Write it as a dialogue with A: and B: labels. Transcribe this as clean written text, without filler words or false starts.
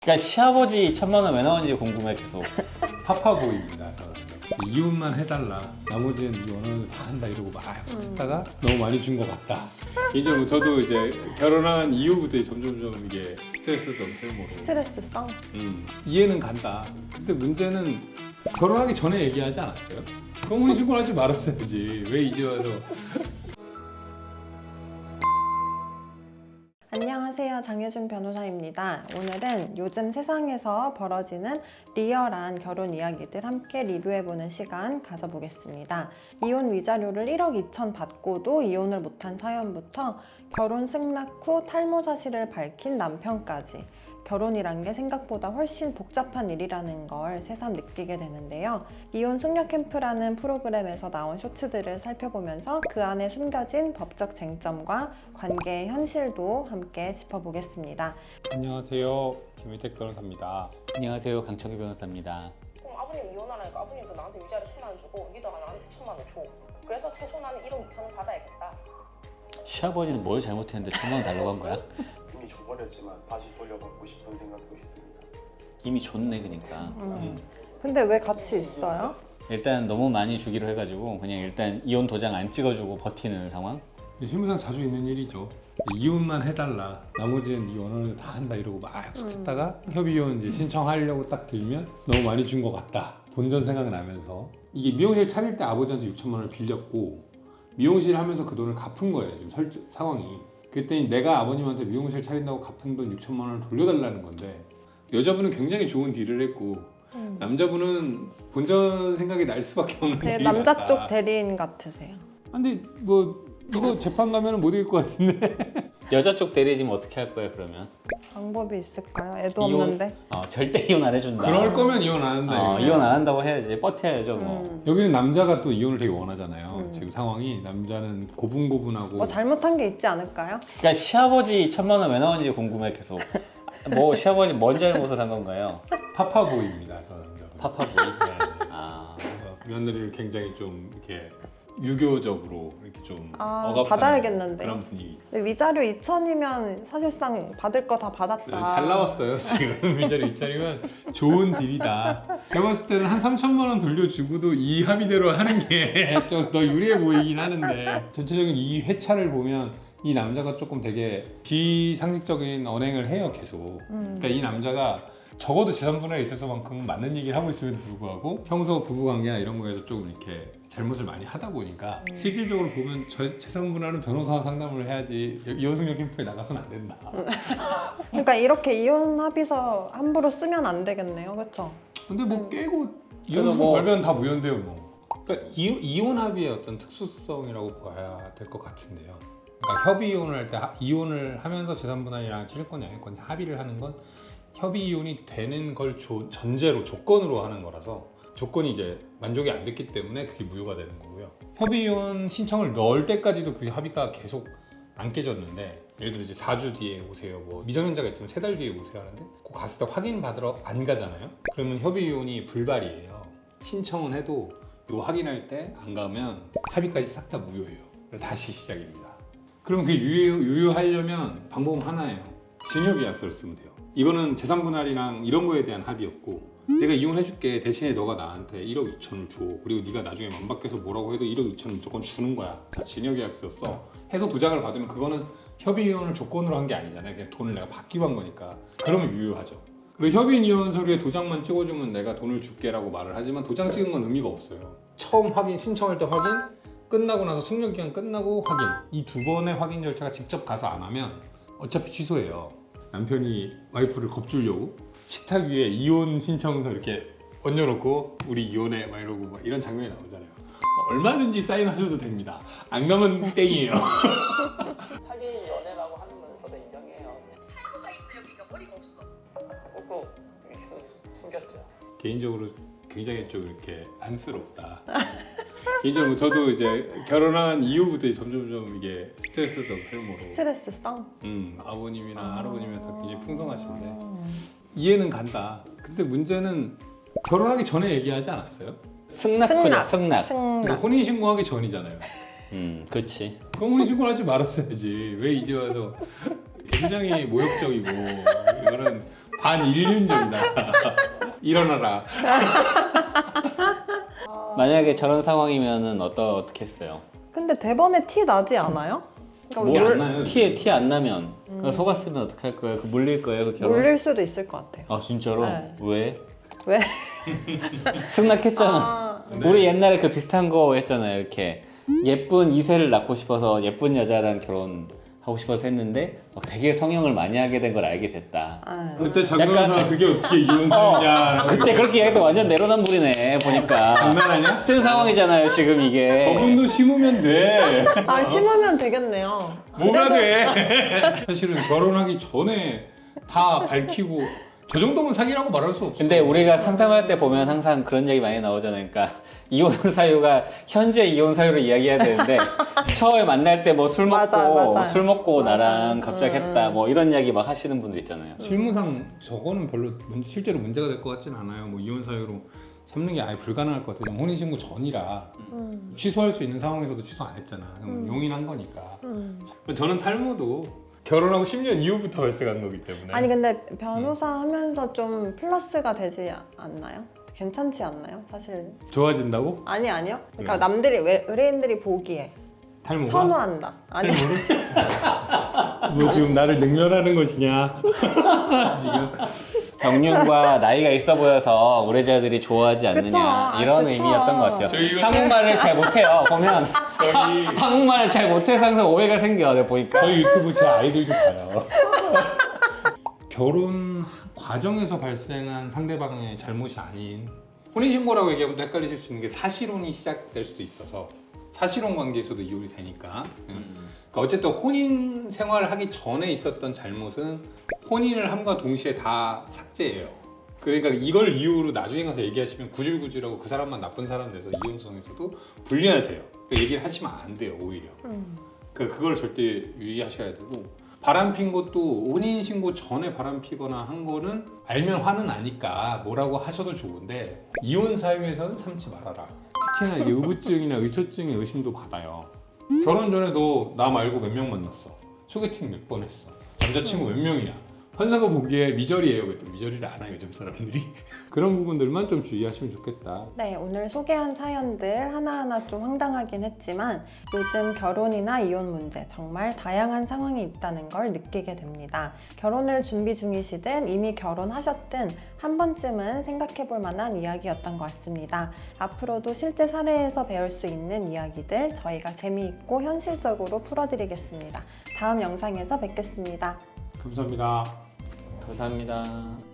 A: 그러니까 시아버지 1,000만 원 왜 나오는지 궁금해 계속.
B: 파파보이입니다. 저는. 이혼만 해달라. 나머지는 네 원하는 다 한다 이러고 막 했다가 너무 많이 준 것 같다. 개인적으로 저도 이제 결혼한 이후부터 점점점 이게 스트레스도 생기고
C: 스트레스성?
B: 이해는 간다. 근데 문제는 결혼하기 전에 얘기하지 않았어요? 그럼 혼인신고를 하지 말았어야지. 왜 이제 와서.
C: 안녕하세요. 장효준 변호사입니다. 오늘은 요즘 세상에서 벌어지는 리얼한 결혼 이야기들 함께 리뷰해보는 시간 가져보겠습니다. 이혼 위자료를 1억 2천 받고도 이혼을 못한 사연부터 결혼 승낙 후 탈모 사실을 밝힌 남편까지 결혼이란 게 생각보다 훨씬 복잡한 일이라는 걸 새삼 느끼게 되는데요. 이혼 숙려 캠프라는 프로그램에서 나온 쇼츠들을 살펴보면서 그 안에 숨겨진 법적 쟁점과 관계의 현실도 함께 짚어보겠습니다.
B: 안녕하세요. 김희택 변호사입니다.
A: 안녕하세요, 강철기 변호사입니다.
D: 그럼 아버님 이혼하라니까 아버님도 나한테 위자료 1,000만 원 주고 니도 나한테 1,000만 원 줘. 그래서 최소 나는 1억 2천을 받아야겠다.
A: 시아버지는 뭘 잘못했는데 1,000만 원 달라고 한 거야?
E: 이미 줘버렸지만 다시 돌려받고 싶은 생각도 있습니다.
A: 이미 줬네 그러니까.
C: 근데 왜 같이 있어요?
A: 일단 너무 많이 주기로 해가지고 그냥 일단 이혼 도장 안 찍어주고 버티는 상황?
B: 실무상 자주 있는 일이죠. 이혼만 해달라. 나머지는 네 원하는 다 한다 이러고 막 했다가 협의혼 이제 신청하려고 딱 들면 너무 많이 준 것 같다. 본전 생각나면서 이게 미용실 차릴 때 아버지한테 6천만 원을 빌렸고 미용실 하면서 그 돈을 갚은 거예요. 지금 상황이. 그랬더니 내가 아버님한테 미용실 차린다고 갚은 돈 6천만 원을 돌려달라는 건데 여자분은 굉장히 좋은 딜을 했고 남자분은 본전 생각이 날 수밖에 없는
C: 되게
B: 딜이
C: 남자
B: 났다.
C: 쪽 대리인 같으세요.
B: 근데 뭐 이거 재판 가면 못 이길 것 같은데.
A: 여자 쪽 대리해지면 어떻게 할 거야 그러면?
C: 방법이 있을까요? 애도
A: 이혼?
C: 없는데.
A: 절대 이혼 안 해준다.
B: 그럴 거면 이혼 안 한다. 이렇게.
A: 이혼 안 한다고 해야지. 버텨야죠 뭐.
B: 여기는 남자가 또 이혼을 되게 원하잖아요. 지금 상황이 남자는 고분고분하고
C: 뭐 잘못한 게 있지 않을까요?
A: 그러니까 시아버지 1,000만 원 왜 나오는지 궁금해 계속. 뭐 시아버지 뭔 잘못을 한 건가요?
B: 파파보이입니다. 저 남자분.
A: 파파보이. 아.
B: 그래서 며느리를 굉장히 좀 이렇게 유교적으로 이렇게 좀 억압하는
C: 받아야겠는데.
B: 그런 분위기.
C: 근데 위자료 2천이면 사실상 받을 거 다 받았다.
B: 잘 나왔어요 지금. 위자료 2천이면 좋은 딜이다. 제가 봤을 때는 한 3천만 원 돌려주고도 이 합의대로 하는 게 좀 더 유리해 보이긴 하는데 전체적인 이 회차를 보면 이 남자가 조금 되게 비상식적인 언행을 해요 계속. 그러니까 이 남자가 적어도 재산분할에 있어서만큼은 맞는 얘기를 하고 있음에도 불구하고 평소 부부관계나 이런 거에서 조금 이렇게 잘못을 많이 하다 보니까 실질적으로 보면 재산분할은 변호사 상담을 해야지 이혼승려 캠프에 나가서는 안 된다.
C: 그러니까 이렇게 이혼 합의서 함부로 쓰면 안 되겠네요, 그렇죠?
B: 근데 뭐 깨고
A: 그래서
B: 이혼
A: 뭐-
B: 걸면 다 무효인데요 뭐. 그러니까 이혼 합의의 어떤 특수성이라고 봐야 될 것 같은데요. 그러니까 협의 이혼을 할 때 이혼을 하면서 재산분할이랑 취득권, 양육권 합의를 하는 건 협의 이혼이 되는 걸 전제로 조건으로 하는 거라서 조건이 이제 만족이 안 됐기 때문에 그게 무효가 되는 거고요. 협의 이혼 신청을 넣을 때까지도 그 합의가 계속 안 깨졌는데 예를 들어 이제 4주 뒤에 오세요. 뭐 미성년자가 있으면 3달 뒤에 오세요 하는데 꼭 갔을 때 확인 받으러 안 가잖아요. 그러면 협의 이혼이 불발이에요. 신청은 해도 이거 확인할 때 안 가면 합의까지 싹 다 무효예요. 그래서 다시 시작입니다. 그럼 그 유효하려면 방법은 하나예요. 증여계약서를 쓰면 돼요. 이거는 재산분할이랑 이런 거에 대한 합의였고 내가 이혼해줄게 대신에 너가 나한테 1억 2천을 줘. 그리고 네가 나중에 맘 바뀌어서 뭐라고 해도 1억 2천을 무조건 주는 거야. 다 증여계약서 써. 해서 도장을 받으면 그거는 협의 이혼을 조건으로 한 게 아니잖아요. 그냥 돈을 내가 받기로 한 거니까. 그러면 유효하죠. 그리고 협의 이혼 서류에 도장만 찍어주면 내가 돈을 줄게라고 말을 하지만 도장 찍은 건 의미가 없어요. 처음 확인 신청할 때 확인, 끝나고 나서 숙려기간 끝나고 확인. 이 두 번의 확인 절차가 직접 가서 안 하면 어차피 취소해요. 남편이 와이프를 겁주려고 식탁 위에 이혼 신청서 이렇게 얹어놓고 우리 이혼해 막 이러고 막 이런 장면이 나오잖아요. 얼마든지 사인하셔도 됩니다. 안 가면 땡이에요.
D: 사귄 연애라고 하는 건 저도 인정해요.
F: 탈모가 있어 여기가 머리가 없어.
D: 꼭 숨겼죠.
B: 개인적으로 굉장히 좀 이렇게 안쓰럽다. 개인적으로 저도 이제 결혼한 이후부터 점점점 이게 스트레스도 생기고
C: 스트레스성?
B: 아버님이나 할아버님이 다 굉장히 풍성하신데 이해는 간다. 근데 문제는 결혼하기 전에 얘기하지 않았어요?
A: 승낙 후냐 승낙.
B: 그러니까 혼인신고하기 전이잖아요.
A: 그렇지.
B: 그럼 혼인신고를 하지 말았어야지. 왜 이제 와서 굉장히 모욕적이고 이거는 반인륜적이다. 일어나라.
A: 만약에 저런 상황이면은 어떻게 했어요?
C: 근데 대번에 티 나지 않아요?
B: 티
C: 그러니까
B: 안 나요.
A: 티 안 나면 그거 속았으면 어떻게 할 거예요? 그 물릴 거예요? 그 결혼?
C: 물릴 수도 있을 것 같아요.
A: 아 진짜로?
C: 네.
A: 왜?
C: 왜?
A: 승낙했잖아.
C: 아,
B: 네.
A: 우리 옛날에 그 비슷한 거 했잖아요. 이렇게 예쁜 2세를 낳고 싶어서 예쁜 여자랑 결혼하고 싶어서 했는데 막 되게 성형을 많이 하게 된 걸 알게 됐다.
C: 아.
B: 그때 장면에서 그게 어떻게 이혼사냐.
A: 그때 그렇게 얘기했더니 완전 내로남불이네 보니까.
B: 장난하냐?
A: 같은 상황이잖아요 지금 이게.
B: 저분도 심으면 돼.
C: 아, 심으면 되겠네요.
B: 뭐가 돼? 사실은 결혼하기 전에 다 밝히고 저 정도면 사기라고 말할 수 없어.
A: 근데 우리가 상담할 때 보면 항상 그런 얘기 많이 나오잖아요. 그러니까 이혼 사유가 현재 이혼 사유로 이야기해야 되는데 처음에 만날 때 뭐 술 먹고
C: 맞아.
A: 술 먹고
C: 맞아.
A: 나랑 갑자기 했다 뭐 이런 이야기 막 하시는 분들 있잖아요.
B: 실무상 저거는 별로 실제로 문제가 될 것 같진 않아요. 뭐 이혼 사유로 삼는 게 아예 불가능할 것 같아요. 혼인신고 전이라 취소할 수 있는 상황에서도 취소 안 했잖아. 그럼 용인한 거니까. 저는 탈모도 결혼하고 10년 이후부터 발생한 거기 때문에.
C: 아니 근데 변호사 하면서 좀 플러스가 되지 않나요? 괜찮지 않나요? 사실
B: 좋아진다고?
C: 아니요. 그러니까 남들이 의뢰인들이 보기에
B: 탈모가?
C: 선호한다. 아니
B: 뭐 지금 나를 능멸하는 것이냐? 지금
A: 경륜과 나이가 있어 보여서 의뢰자들이 좋아하지 않느냐
C: 그쵸. 아,
A: 이런
C: 그쵸.
A: 의미였던 것 같아요.
B: 저희가-
A: 한국말을 잘 못해요. 보면
B: 저희
A: 한국말을 잘 못해서 항상 오해가 생겨. 내가 보니까.
B: 저희 유튜브 제 아이들도 봐요. 결혼 과정에서 발생한 상대방의 잘못이 아닌 혼인신고라고 얘기하면 또 헷갈리실 수 있는 게 사실혼이 시작될 수도 있어서 사실혼 관계에서도 이혼이 되니까 그러니까 어쨌든 혼인 생활을 하기 전에 있었던 잘못은 혼인을 함과 동시에 다 삭제해요. 그러니까 이걸 이유로 나중에 가서 얘기하시면 구질구질하고 그 사람만 나쁜 사람 돼서 이혼성에서도 불리하세요. 그 얘기를 하시면 안 돼요 오히려. 그걸 절대 유의하셔야 되고 바람 핀 것도 혼인 신고 전에 바람 피거나 한 거는 알면 화는 나니까 뭐라고 하셔도 좋은데 이혼 사유에서는 삼지 말아라. 특히나 이게 의부증이나 의처증의 의심도 받아요. 결혼 전에 너 나 말고 몇 명 만났어? 소개팅 몇 번 했어? 남자친구 몇 명이야? 판사가 보기에 미저리예요. 그랬더니 미저리를 안 해요 요즘 사람들이. 그런 부분들만 좀 주의하시면 좋겠다.
C: 네, 오늘 소개한 사연들 하나하나 좀 황당하긴 했지만 요즘 결혼이나 이혼 문제 정말 다양한 상황이 있다는 걸 느끼게 됩니다. 결혼을 준비 중이시든 이미 결혼하셨든 한 번쯤은 생각해 볼 만한 이야기였던 것 같습니다. 앞으로도 실제 사례에서 배울 수 있는 이야기들 저희가 재미있고 현실적으로 풀어드리겠습니다. 다음 영상에서 뵙겠습니다.
B: 감사합니다.
A: 감사합니다.